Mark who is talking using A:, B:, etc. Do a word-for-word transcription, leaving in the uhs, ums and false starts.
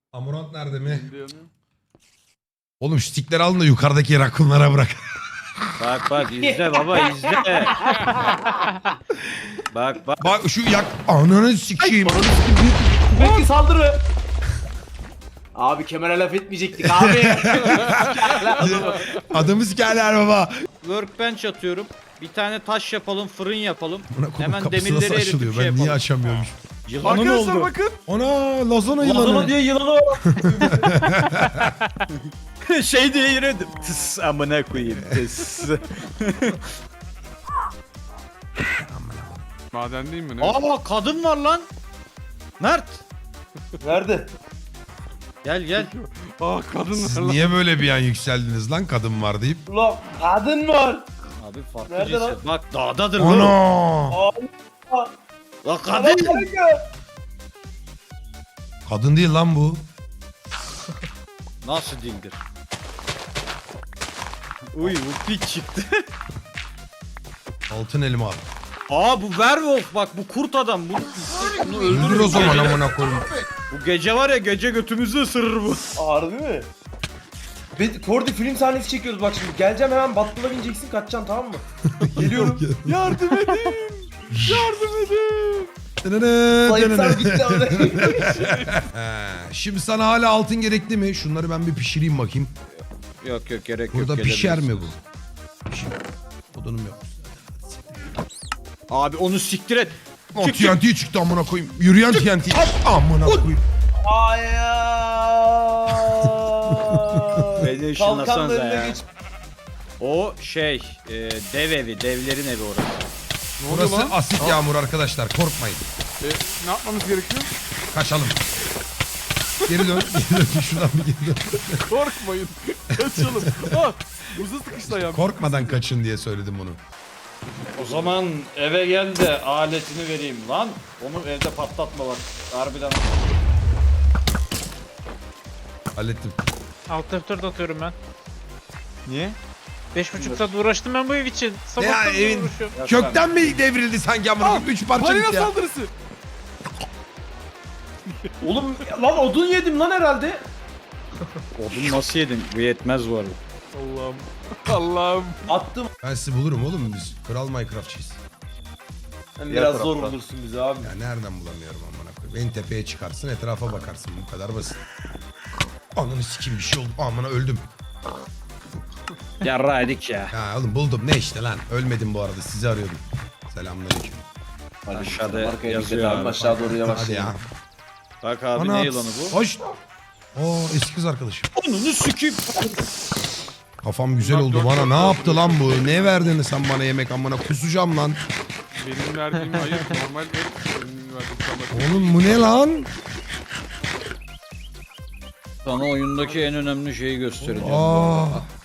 A: Amurant nerede mi? Oğlum şu stikleri alın da yukarıdaki rakunlara bırak.
B: Bak bak izle baba izle. Bak bak.
A: Bak şu yak... Ananı sikeyim.
C: Belki saldırı. Abi kemere laf etmeyecektik abi.
A: Adamı sikerler baba.
B: Workbench atıyorum. Bir tane taş yapalım, fırın yapalım.
A: Buna konu
B: Hemen
A: kapısı
B: demirleri
A: nasıl
B: eritip
A: açılıyor?
B: şey
A: Ben niye
B: yapalım.
A: açamıyorum?
B: Yılanı
D: Arkadaşlar
B: oldu.
D: bakın.
A: Ana lazona
C: Lazona
A: yılanı.
C: diye yılanı var.
B: şey diye yürüdüm. Tıs amına koyayım tıs.
D: Maden değil mi ne?
B: Aa kadın var lan. Mert.
C: Nerede?
B: Gel gel.
D: Aa kadın
A: Siz
D: var lan.
A: niye böyle bir an yükseldiniz lan kadın var deyip?
C: Ulan kadın var.
B: Abi farklı
C: Nerede
B: cinsi.
C: lan?
B: Bak dağdadır lan.
A: Ana!
C: Aa,
B: La
C: kadın.
B: kadın.
A: Kadın değil lan bu.
B: Nasıl dildir? Uy bu piç çıktı.
A: Altın elma al.
B: Aa bu werewolf bak bu kurt adam. Bu, bunu
A: Öldür
B: öldürür
A: o zaman amına koyayım.
B: Bu gece var ya gece götümüzü ısırır bu.
C: Harbi mi? Ve Kordi film sahnesi çekiyoruz bak şimdi. Geleceğim hemen battula bineceksin kaçacaksın tamam mı? Geliyorum.
D: Yardım edin. Yardım edin.
C: Sayıpsar bitti ama.
A: He, Şimdi sana hala altın gerekli mi? Şunları ben bir pişireyim bakayım.
B: Yok yok gerek
A: Burada
B: yok.
A: pişer mi
B: gelebilirsin.
A: bu? Pişer. Odunum yok.
B: Abi onu siktir et.
A: O
B: Çık,
A: T N T çıktı amına koyayım. Yürüyen T N T. Amına koyayım.
C: Hayır.
B: Beni
C: Kalkanın
B: ışınlasanıza
C: önüne
B: ya.
C: geç.
B: O şey e, dev evi devlerin evi orası.
D: Ne oluyor
A: Burası
D: lan?
A: asit yağmur arkadaşlar. Korkmayın.
D: E, ne yapmamız gerekiyor?
A: Kaçalım. Geri dön. Geri dön. Şuradan bir geri dön.
D: Korkmayın. Kaçalım. Aa, buza sıkıştı ayağım.
A: Korkmadan kaçın diye söyledim bunu.
B: O zaman eve gel de aletini vereyim lan. Onu evde patlatma bak. Harbiden.
A: Hallettim.
E: Alt F dört atıyorum ben.
D: Niye?
E: Beş buçuk saat uğraştım ben bu ev için.
A: Ya
E: Sabahtan beri
A: evin
E: uğraşıyorum.
A: kökten mi devrildi sanki amına koyayım? Üç parça
D: Balina
A: gitti ya.
D: saldırısı.
C: Oğlum lan odun yedim lan herhalde.
B: Odun nasıl yedin? Bu yetmez bu arada.
D: Allah'ım. Allah'ım.
C: Attım.
A: Ben sizi bulurum oğlum biz. Kral Minecraftçıyız.
C: Yani biraz zor bulursun bizi abi.
A: Ya nereden bulamıyorum amına koyayım. En tepeye çıkarsın etrafa bakarsın bu kadar basit. Ananı sikeyim bir şey oldu. Amına öldüm.
B: Yarra edik ya.
A: Ya oğlum buldum ne işte lan. Ölmedim bu arada sizi arıyordum. Selamünaleyküm.
B: Aşağıda
C: Arkaya
B: yazıyor
C: dikkat abi
B: abi.
C: aşağı doğru yavaş.
A: Hadi ya.
B: Bak abi
A: Ana,
B: ne yılanı bu?
A: Hoş. Oo eski kız arkadaşım.
B: Onunu sikeyim.
A: Kafam güzel oldu bana. Ne yaptı lan bu? Ne verdin sen bana yemek amına kusacağım lan.
D: Benim verdiğim hayır normal ver. Benim verdiğim sana.
A: Oğlum bu ne lan?
B: Sana oyundaki en önemli şeyi göstereceğim.
A: Aa.